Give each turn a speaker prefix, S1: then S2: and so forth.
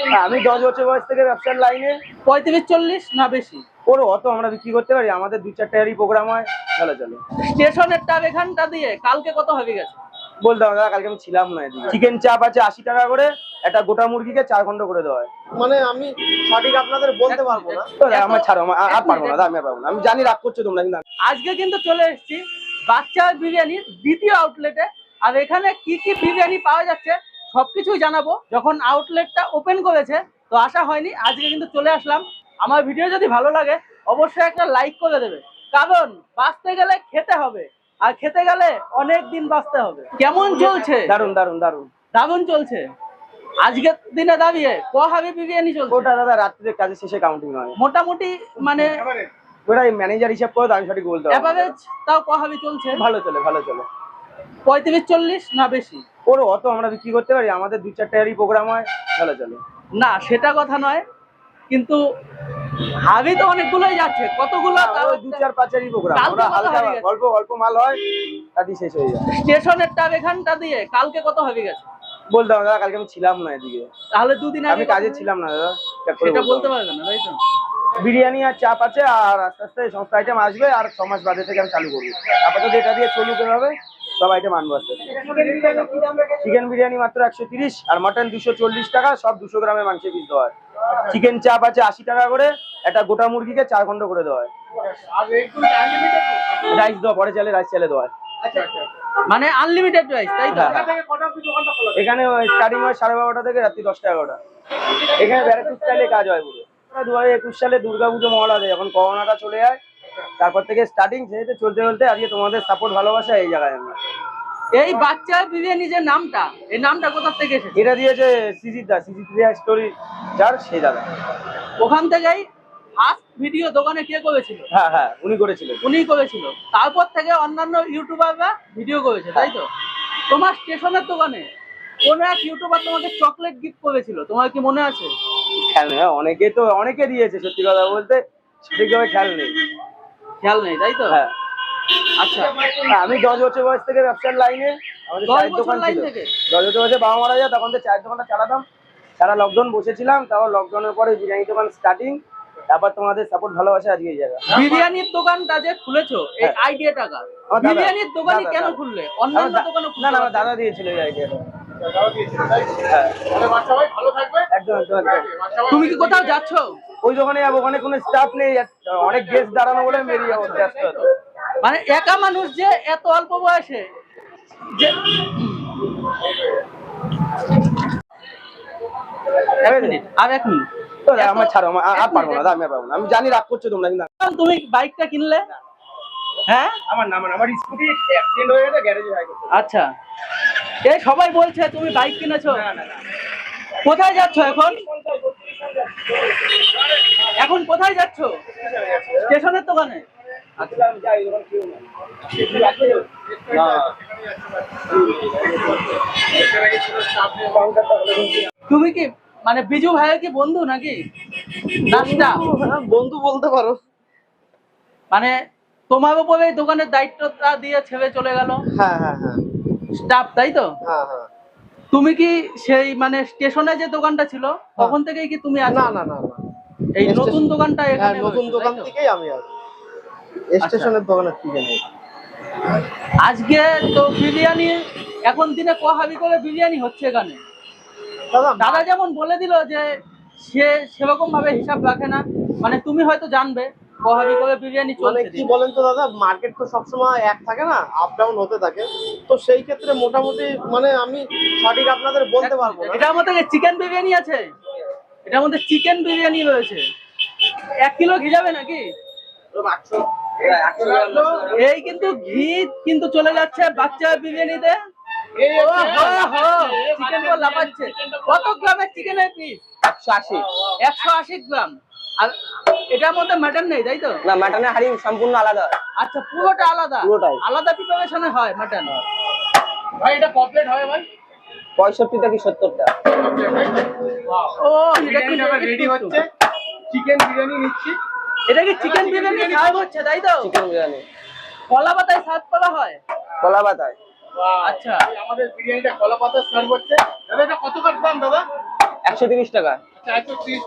S1: আমি 10 বছর বয়স থেকে ব্যবসার লাইনে।
S2: 35-40 না বেশি?
S1: ওর অত আমরা বিক্রি করতে পারি, আমাদের 2-4টারই প্রোগ্রাম হয়, চলো চলো।
S2: স্টেশনের টাপ এখানটা দিয়ে কালকে কত হবে গেছে
S1: বলতে হবে দাদা, কালকে আমি ছিলাম না এদিকে। চিকেন চাপ আছে 80 টাকা করে, একটা গোটা মুরগিকে 4 খন্ড করে দেওয়া হয়।
S3: মানে আমি সঠিক আপনাদের বলতে পারবো না।
S1: তো আমার ছাড়ো, আর পারবো না দাদা, আমি আর পারবো না। আমি জানি রাগ করছো তোমরা, কিন্তু
S2: আজকে কিন্তু চলে এসেছি বাচ্চা বিরিয়ানির দ্বিতীয় আউটলেটে। আর এখানে কি কি বিরিয়ানি পাওয়া যাচ্ছে সবকিছুই জানাবো। যখন আউটলেটটা ওপেন করেছে তো আসা হয়নি, আজকে কিন্তু চলে আসলাম। আমার ভিডিও যদি ভালো লাগে অবশ্যই একটা লাইক করে দেবে, কারণ বাঁচতে গেলে খেতে হবে, আর খেতে গেলে অনেক দিন বাঁচতে হবে। কেমন চলছে?
S1: দারুন দারুন দারুন
S2: দারুণ চলছে। আজকের দিনে দাঁড়িয়ে হাবি বিরিয়ানি চলছে?
S1: ওটা দাদা রাত্রে কাজের শেষে কাউন্টিং হয়
S2: মোটামুটি, মানে
S1: ওটা ম্যানেজার হিসাব করে, আমি সঠিক বলতে পারবো না।
S2: এভারেজ তাও হাবি চলছে?
S1: ভালো চলে, ভালো চলে।
S2: 35-40 না বেশি?
S1: ওর অত আমরা বিক্রি করতে পারি, আমাদের 2-4টারই প্রোগ্রাম হয়, চলো চলো।
S2: না সেটা কথা নয়, কিন্তু হাবি তো অনেকগুলোই যাচ্ছে, কতগুলো? তাও
S1: 2-4-5-এরই প্রোগ্রাম।
S2: কালকে
S1: ওরা
S2: কত
S1: হালকা
S2: হাবি গেছে?
S1: অল্প অল্প মাল হয়, তাতেই শেষ হয়ে যায়।
S2: স্টেশনের টাপ এখানটা দিয়ে কালকে কত হাবি গেছে?
S1: বলতে হবে দাদা, কালকে আমি ছিলাম না এদিকে।
S2: তাহলে দুদিন
S1: আমি
S2: আগে
S1: কাজে ছিলাম না দাদা, check করে
S2: সেটা বলতে
S1: হবে।
S2: পারবে না, তাই তো?
S1: বিরিয়ানি আর চাপ আছে, আর আস্তে আস্তে সমস্ত আইটেম আসবে, আর 6 মাস বাদে থেকে আমি চালু করবো। আপাতত এটা দিয়ে চলুক, হবে সব আইটেম আনবো আস্তে আস্তে। চিকেন বিরিয়ানি মাত্র 130, আর মটন 240 টাকা, সব 200 গ্রামের মাংসের পিস দেওয়া হয়। চিকেন চাপ আছে 80 টাকা করে, একটা গোটা মুরগিকে 4 খন্ড করে দেওয়া হয়। রাইস দেওয়া, পরে চালে রাইস চালে দেওয়া হয়।
S2: মানে আনলিমিটেড রাইস, তাই তো?
S1: এখানে স্টার্টিং হয় 12:30 থেকে রাত্রি 10টা-11টা। এখানে ভ্যারাইটি স্টাইলে কাজ হয় পুরো। 2021 সালে দুর্গাপুজো মহড়াতে যখন করোনাটা চলে যায়, তারপর থেকে স্টার্টিং সেটা চলতে চলতে আজকে তোমাদের সাপোর্ট ভালোবাসা এই জায়গায় আমরা।
S2: এই বাচ্চা বিরিয়ানি যে নামটা, এই নামটা কোথা থেকে এসেছে?
S1: এটা দিয়েছে সিজিত দা, সিজিত স্টোরি যার, সেই দাদা।
S2: ওখান থেকেই ফার্স্ট ভিডিও দোকানে কে করেছিল?
S1: হ্যাঁ হ্যাঁ, উনি করেছিলেন।
S2: উনিই করেছিল। তারপর থেকে অন্যান্য ইউটিউবাররা ভিডিও করেছে, তাই তো? তোমার স্টেশনের দোকানে কোন এক ইউটিউবার তোমাকে চকলেট গিফট করেছিল, তোমার কি মনে আছে?
S1: খেয়াল নেই, অনেকে দিয়েছে, সত্যি কথা বলতে সঠিকভাবে খেয়াল নেই।
S2: খেয়াল নেই, তাই তো?
S1: হ্যাঁ।
S2: আচ্ছা,
S1: আমি 10 বছর বয়স থেকে ব্যবসার লাইনে। আমাদের
S2: 10
S1: চায়ের
S2: বছর
S1: দোকান
S2: লাইন
S1: ছিল।
S2: থেকে?
S1: 10 বছর বয়সে বাবা মারা যায়, তখন তো চায়ের দোকানটা চালাতাম। সারা লকডাউন বসেছিলাম, তারপর লকডাউনের পরে বিরিয়ানি দোকান স্টার্টিং, তারপর তোমাদের সাপোর্ট ভালোবাসা আজকে এই জায়গা।
S2: বিরিয়ানির দোকানটা যে খুলেছো, এই আইডিয়া টাকা
S1: আমার দাদা।
S2: বিরিয়ানির দোকানই
S1: দাদা,
S2: কেন
S1: দাদা।
S2: খুললে? অন্যান্য দোকানে
S1: না না, আমার দাদা দিয়েছিল এই আইডিয়াটা। হ্যাঁ, একদম একদম একদম।
S2: তুমি কি কোথাও যাচ্ছ?
S1: ওই দোকানে যাবো, ওখানে কোনো স্টাফ নেই, অনেক গেস্ট দাঁড়ানো বলে বেরিয়ে যাবো ব্যস্ত হতো।
S2: মানে একা মানুষ যে এত অল্প বয়সে যে আর 1 মিনিট
S1: তো আমার ছাড়ো, আর পারবো না দাদা, আমি আর পারবো না। আমি জানি রাগ করছো তোমরা, কিন্তু
S2: তুমি বাইকটা কিনলে? হ্যাঁ,
S1: আমার স্কুটি অ্যাক্সিডেন্ট হয়ে গেছে, গ্যারেজে যাই করতে।
S2: আচ্ছা। এই সবাই বলছে তুমি বাইক কিনেছো। কোথায় যাচ্ছ এখন? এখন কোথায় যাচ্ছ? স্টেশনের দোকানে?
S1: আচ্ছা, আমি যাই, দোকান কেউ না।
S2: তুমি কি মানে বিজু ভাইয়ের কি বন্ধু নাকি? নাস্তা
S3: বন্ধু বলতে পারো।
S2: মানে তোমার উপরে এই দোকানের দায়িত্বটা দিয়ে ছেড়ে চলে গেল
S3: হ্যাঁ হ্যাঁ হ্যাঁ
S2: স্টাফ, তাই তো?
S3: হ্যাঁ হ্যাঁ।
S2: তুমি কি সেই মানে স্টেশনে যে দোকানটা ছিল তখন থেকেই কি তুমি আছো?
S3: না না না না,
S2: এই নতুন দোকানটা
S3: হ্যাঁ
S2: এখানে
S3: নতুন
S2: হয়েছে,
S3: দোকান
S2: তাই তো?
S3: থেকেই আমি আছি, স্টেশনের দোকানের থেকে নেই।
S2: আজকে তো বিরিয়ানি এখন দিনে হাবি করে বিরিয়ানি হচ্ছে এখানে। দাদা যেমন বলে দিল যে সে সেরকম ভাবে হিসাব রাখে না, মানে তুমি হয়তো জানবে হাবি করে বিরিয়ানি
S3: মানে
S2: চলছে।
S3: কি বলেন তো দাদা, মার্কেট তো সবসময় এক থাকে না, আপ ডাউন হতে থাকে। তো সেই ক্ষেত্রে মোটামুটি মানে আমি সঠিক আপনাদের বলতে পারবো না।
S2: এটার মধ্যে চিকেন বিরিয়ানি আছে, এটার মধ্যে চিকেন বিরিয়ানি রয়েছে। 1 কিলো ঘি যাবে নাকি? এই কিন্তু ঘি কিন্তু চলে যাচ্ছে বাচ্চা বিরিয়ানিতে। চিকেন বল লাফাচ্ছে। কত গ্রামের চিকেনের পিস?
S1: 180।
S2: 180 গ্রাম। আর এটার মধ্যে মাটন নেই, তাই তো?
S1: না, মাটনের হাড়ি সম্পূর্ণ আলাদা।
S2: আচ্ছা, পুরোটা আলাদা?
S1: পুরোটাই
S2: আলাদা প্রিপারেশনে হয় মাটন। ভাই এটা কমপ্লিট হয় ভাই?
S1: 65টা কি 70টা।
S2: ও, এটা কি রেডি হচ্ছে?
S3: চিকেন বিরিয়ানি নিচ্ছি।
S2: এটা কি চিকেন বিরিয়ানি সার্ভ হচ্ছে, তাই তো?
S1: চিকেন বিরিয়ানি
S2: কলা পাতায় সার্ভ করা হয়?
S1: কলা পাতায়।
S2: আচ্ছা,
S3: আমাদের বিরিয়ানিটা কলা পাতা সার্ভ হচ্ছে। দাদা এটা কত দাম দাদা?
S1: 130 টাকা।
S4: 430